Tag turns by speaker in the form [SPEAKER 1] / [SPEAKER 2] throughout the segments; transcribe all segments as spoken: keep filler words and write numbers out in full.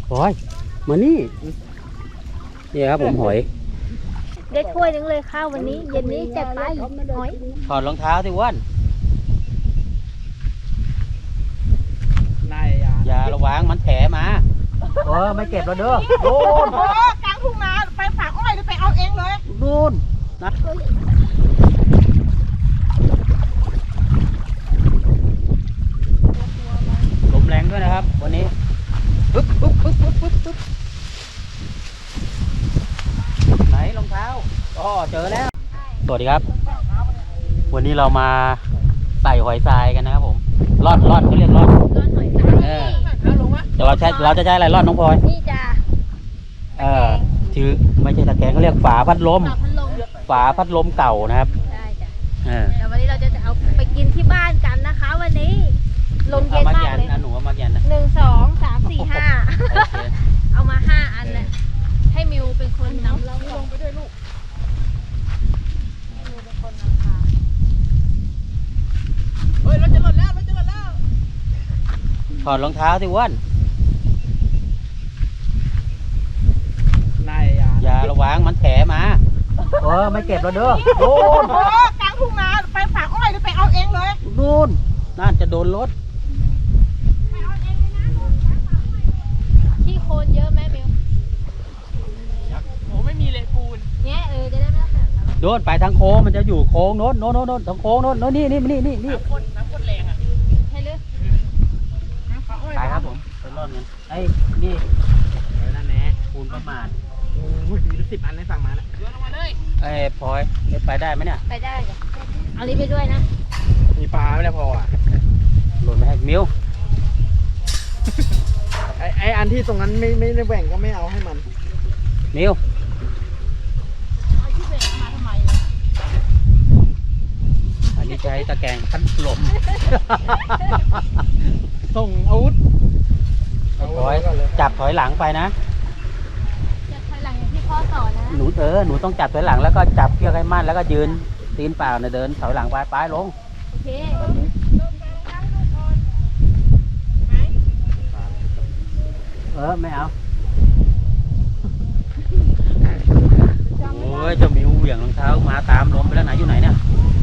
[SPEAKER 1] โอ้ยมานี่นี่ครับผมหอย
[SPEAKER 2] ได้ถ้วยนึงเลยข้าววันนี้เย็นนี้จัดไปหอย
[SPEAKER 1] ถอดรองเท้าสิอ้วนนายอย่าระวังมันแถมาเออไม่เก็บแล้วเด้อโดน
[SPEAKER 3] โอ้กลางทุ่งนาไปฝากอ้อยหรือไปเอาเองเลย
[SPEAKER 1] โดนนะลมแรงด้วยนะครับวันนี้ปึ๊บปึ๊บปึ๊บปึ๊บปึ๊บปึ๊บไหนรองเท้าอ๋อเจอแล้วสวัสดีครับวันนี้เรามาใส่หอยทรายกันนะครับผมร่อนร่อนเขาเรียกร่อน
[SPEAKER 2] ร่อนหอยทราย
[SPEAKER 1] แต่เราใช้เราจะใช้อะไรร่อนน้องพลอย
[SPEAKER 2] นี่จ้ะ
[SPEAKER 1] เออชื่อไม่ใช่ตะแกรงเขาเรียกฝาพัดลม
[SPEAKER 2] ฝาพัดลม
[SPEAKER 1] ฝาพัดลมเก่านะครับ
[SPEAKER 2] ได้จ้ะแต่วันนี้เราจะเอาไปกินที่บ้านกันนะคะวันนี้ลมเย็นมากเลย
[SPEAKER 1] หนูเอามาแกนนะ
[SPEAKER 2] หนึ่งสองสามสี่ห้าเอามาห้าอันเลยให้มิวเป็นคนนำเราลงไปด้วยลูกให้มิวเป็นคนนำพา
[SPEAKER 3] เฮ้ยรถจะหล่นแล้วรถจะหล่นแล้ว
[SPEAKER 1] ถอดรองเท้าสิอ้วนนายอย่าระวังมันแถมาเออไม่เก็บแล้วเด้อโดน
[SPEAKER 3] โอ้กลางทุ่งนาไปฝากอ้อยหรือไปเอาเองเลย
[SPEAKER 1] โดนน่าจะโดนรถ
[SPEAKER 3] ไปเอาเองเลยนะ
[SPEAKER 2] ที่โคนเยอะไหมมิว
[SPEAKER 3] โอ้ไม่มีเลยปูน
[SPEAKER 2] เนี้ยเออจะได้ไม่ต้องแบบ
[SPEAKER 1] โดนไปทางโค้งมันจะอยู่โค้งโน้นโน้นโน้นโน้นทางโค้งโน้นโน้นนี่นี่นี่นี่นี่
[SPEAKER 3] น้ำข้นน้ำข้นแรงอ่ะ
[SPEAKER 2] ให้เลย
[SPEAKER 1] ไปครับผมไปร่อนกันไอ้นี่นั่นแหละปูนประมาณ
[SPEAKER 3] โอ้ยมีสิบอันให้สั่งมาแล้วโยนลงมาเลย
[SPEAKER 1] ไอ้พลอยไปได้ไหมเนี่ย
[SPEAKER 2] ไปได้จ้ะเอาลิ้นไปด้วยนะ
[SPEAKER 3] มีปลาไม่ได้พออ่ะ
[SPEAKER 1] หล่นไปให้มิว
[SPEAKER 3] ไอ้ไอ้อันที่ตรงนั้นไม่ไม่ได้แบ่งก็ไม่เอาให้มัน
[SPEAKER 1] มิว
[SPEAKER 3] ไอ้ที่แบ่งมาทำไม
[SPEAKER 1] อันนี้ใช้ตะแกรงพัดลม
[SPEAKER 3] ส่งอาวุธ
[SPEAKER 1] ถอยจับถอยหลังไปนะ
[SPEAKER 2] จับถอยหลังอย่างที่พ่อสอนนะ
[SPEAKER 1] หนูเออหนูต้องจับถอยหลังแล้วก็จับเชือกให้มั่นแล้วก็ยืนตีนเปล่าเนี่ยเดินถอยหลังไปไปลง
[SPEAKER 2] โอเค
[SPEAKER 1] เออไม่เอาโอ้ยจะมีเหวี่ยงรองเท้ามาตามลมไปแล้วไหนอยู่ไหนเนี่ย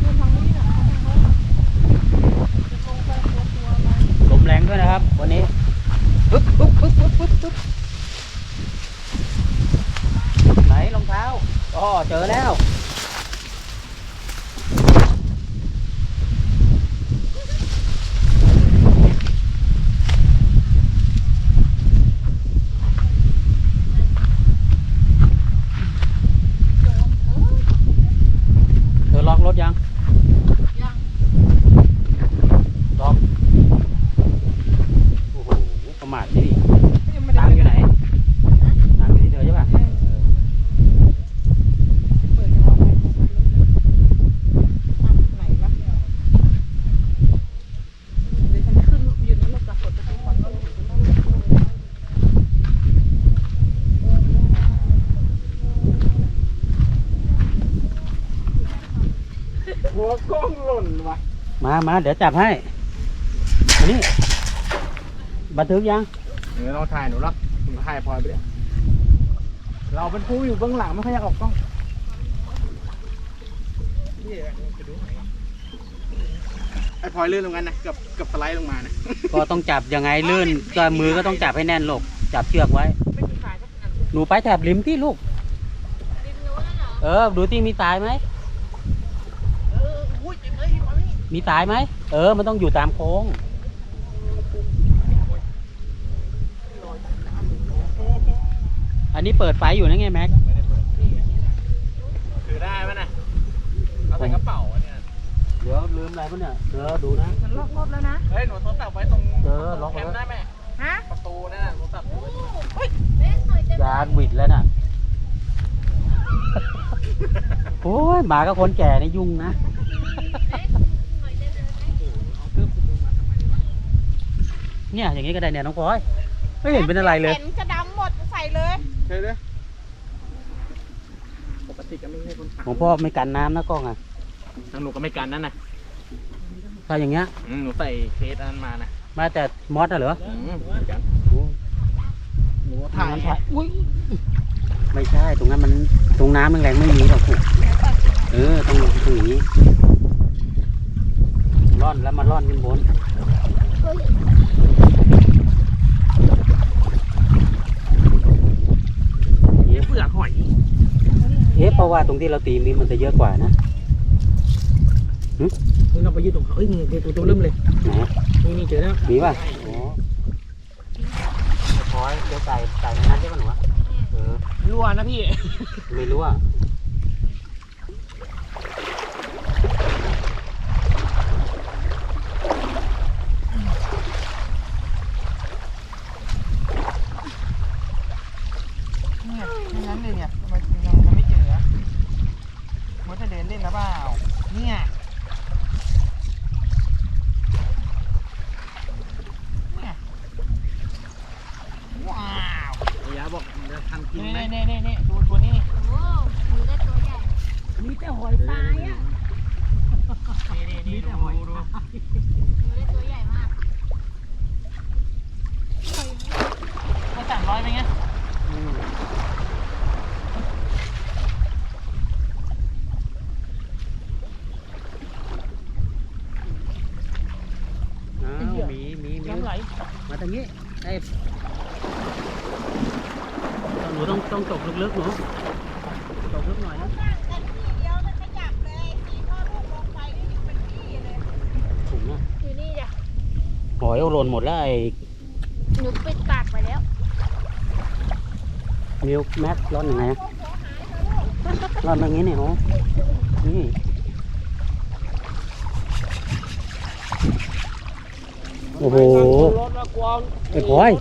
[SPEAKER 1] ลมแรงด้วยนะครับวันนี้ปึ๊บปึ๊บปึ๊บปึ๊บปึ๊บปึ๊บไหนรองเท้าอ๋อเจอแล้วเธอล็อกรถยัง
[SPEAKER 3] ยัง
[SPEAKER 1] ล็อกโอ้โหประมาทนี่ตังอยู่ไหนตังอยู่ที่เธอใช่ป่ะ
[SPEAKER 3] เปิดเอาไปไหนวะเดี๋ยวฉันขึ้นยืนรถกระสดจะทุกคนก็หัวกล้องหล่นวะ
[SPEAKER 1] มามาเดี๋ยวจับให้อันนี้บันทึกยัง
[SPEAKER 3] เดี๋ยวเราถ่ายหนูหรอกหนูถ่ายพลอยไปเลยเราเป็นผู้อยู่เบื้องหลังไม่ค่อยอยากออกกล้องนี่จะดูไอ้พลอยลื่นลงกันนะเกือบเกือบสไลด์ลงมานะ
[SPEAKER 1] ก็ต้องจับยังไงลื่นก็มือก็ต้องจับให้แน่นลูกจับเชือกไว้หนูไปแถบริมที่ลูกเออดูที่มีสายไหมมีสายไหมเออมันต้องอยู่ตามโค้งอันนี้เปิดไฟอยู่นะไงแม็ก
[SPEAKER 3] ถือได้ไหมนะเอาใส่กระเป๋าเนี่ย
[SPEAKER 1] เดี๋ยวลืมอะไรปะเนี่ยเดี๋ยวดูนะ
[SPEAKER 3] ฉันล็อกรถแล้วนะเฮ้ยหนูโทรศัพท์ไว้ตรง
[SPEAKER 1] เออล็อก
[SPEAKER 3] แคมป์ได้ไหมฮะประตูนั่นโทรศัพท์
[SPEAKER 1] ยานวิดแล้วน่ะโอ้ยหมากับคนแก่นี่ยุ่งนะเนี่ยอย่างนี้ก็ได้เนี่ยน้องพลอยไม่เห็นเป็นอะไรเลย
[SPEAKER 3] เห็นจะดำหมดใส่เลยใช่เลยปกติก็ไม่ใช่คน
[SPEAKER 1] ของพ่อไม่กันน้ำนะกล้องอ่ะ
[SPEAKER 3] ทางหนูก็ไม่กันนั่นนะ
[SPEAKER 1] ถ้าอย่างเงี้ย
[SPEAKER 3] หนูใส่เคสนั้นมานะ
[SPEAKER 1] มาแต่มอสเหรอ
[SPEAKER 3] หนู
[SPEAKER 1] น้ำชาอุ้ยไม่ใช่ตรงนั้นมันตรงน้ำแรงๆไม่มีหรอกลูกเออต้องตรงนี้ร่อนแล้วมาร่อนขึ้นบน
[SPEAKER 3] นี่เปลือกหอย
[SPEAKER 1] เอ๊ะเพราะว่าตรงที่เราตีมีมันจะเยอะกว่านะ
[SPEAKER 3] นี่เราไปยืดตรงเขาเอ้ยนี่ตัวตัวเริ่มเลย
[SPEAKER 1] ไหน
[SPEAKER 3] นี่นี่เจอแล้ว
[SPEAKER 1] มีป่ะโอ้พอยเดี๋ยวใส่ใส่ในนั้นใช่ป่ะหนูวะเออ
[SPEAKER 3] รั่วนะพี่
[SPEAKER 1] ไม่รู้อ่ะ
[SPEAKER 3] เนี่ยไม่งั้นเลยเนี่ยทำไมยังยังไม่เจอมันจะเดินเล่นนะเปล่าเนี่ยเนี่ยว้าวอยาบอกจะทำกินไหมเน่เน่เน่ดูตัวนี้
[SPEAKER 2] โอ้มือได้ตัวใหญ่
[SPEAKER 3] มีแต่หอยตายอ่ะนี่นี่นี่ดูดู
[SPEAKER 2] มือได้ตัวใหญ่มาก
[SPEAKER 3] ให้สามร้อยไหมเงี้ย
[SPEAKER 1] อืมอ้าวมีมีมี
[SPEAKER 3] น้ำไหล
[SPEAKER 1] มาทางนี้ไอ้หนูต้องต้องตกลึกๆหนูตกลึกหน่อยนะถุงอะ
[SPEAKER 2] อยู่นี่จ้ะ
[SPEAKER 1] หอยเอาหล่นหมดแล้วไอ้
[SPEAKER 2] หนูปิดปากไปแล้ว
[SPEAKER 1] มิลค์แมทร่อนยังไงอะร่อนอย่างนี้เนี่ยหนูนี่โอ้โหไอ้พลอย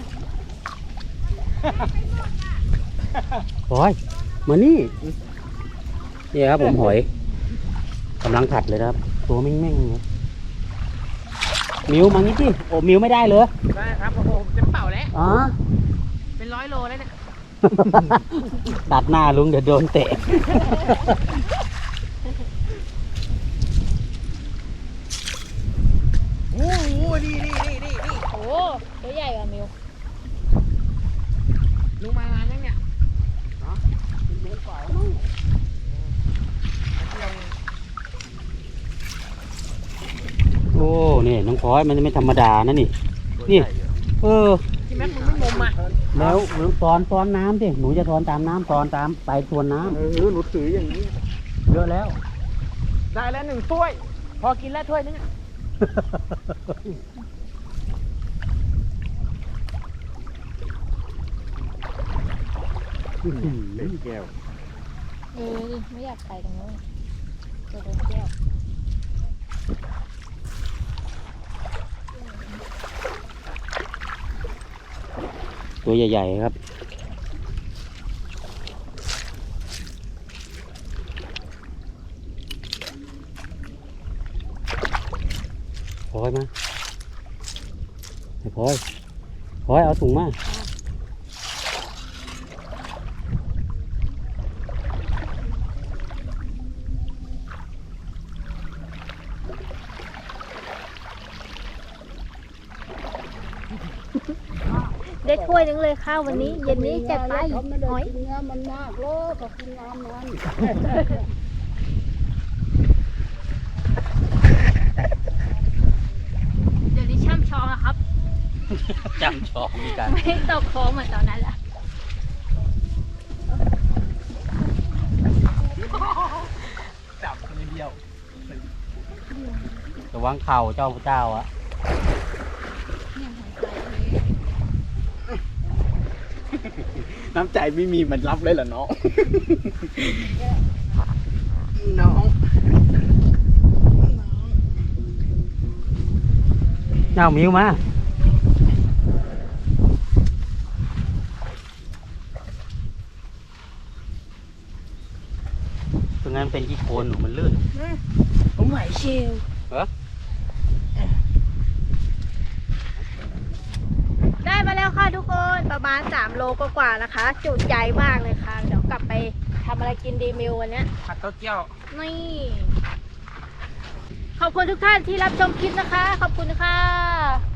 [SPEAKER 1] พลอยมานี่นี่ครับผมหอยกำลังผัดเลยครับตัวแม่งๆเลยมิวมางี้สิโอ้มิวไม่ได้เลย
[SPEAKER 3] ได้ครับโอ้โหผมจะเป่าแล้ว
[SPEAKER 1] อ๋อ
[SPEAKER 3] เป็นร้อยโลแล้วเนี่ย
[SPEAKER 1] ตัดหน้าลุงเดี๋ยวโดนเตะ
[SPEAKER 3] โอ้โหนี่นี่นี่นี่นี่
[SPEAKER 2] โอ้ตัวใหญ่กว่ามิว
[SPEAKER 3] ลุงมานานยังเนี่ยเนาะเป็นเดือนกว่าแล้วมั้งเที่ยว
[SPEAKER 1] โอ้นี่น้องพลอยมันไม่ธรรมดานะนี่ นี่ เออ
[SPEAKER 3] ที่แม็กมึงไม่งมอ่ะ
[SPEAKER 1] แล้วตอนตอนน้ำสิหนูจะตอนตามน้ำตอนตามไปทวนน้
[SPEAKER 3] เออหนูถืออย่างนี้
[SPEAKER 1] ำเยอะแล้ว
[SPEAKER 3] ได้แล้วหนึ่งถ้วย พอกินแล้วถ้วยนึงอะ แก้ว
[SPEAKER 2] เออไม่อยากไปตรงนู้นจะโดนแก้ว
[SPEAKER 1] ตัวใหญ่ๆครับพลอยมาไอ้พลอยพลอยเอาถุงมา
[SPEAKER 2] ได้ถ้วยนึงเลยข้าววันนี้ เย็นนี้จัดไปหอย
[SPEAKER 3] มันมากเลยขอบคุณงามนั้น
[SPEAKER 2] เดี๋ยวนี้ช่ำชองอะครับ
[SPEAKER 1] จำชอบมีกัน
[SPEAKER 2] ไม่ตกโค้งเหมือนตอนนั้นละ
[SPEAKER 3] จับคนเดียว
[SPEAKER 1] ระวังเข่าเจ้าเจ้าอะ
[SPEAKER 3] น้ำใจไม่มีมันรับเลยเหรอน้อง น้อง
[SPEAKER 1] เน่ามิวมาตรงนั้นเป็นขี้โคลนหนูมันลื่น
[SPEAKER 2] ผมไหวเชล
[SPEAKER 1] เหรอ
[SPEAKER 2] ได้มาแล้วค่ะทุกคนประมาณสามโลกว่าๆนะคะ จุใจมากเลยค่ะ เดี๋ยวกลับไปทำอะไรกินดีมิววันเนี้ย
[SPEAKER 3] ผัดเต้าเจี้ยว
[SPEAKER 2] นี่ ขอบคุณทุกท่านที่รับชมคลิปนะคะ ขอบคุณค่ะ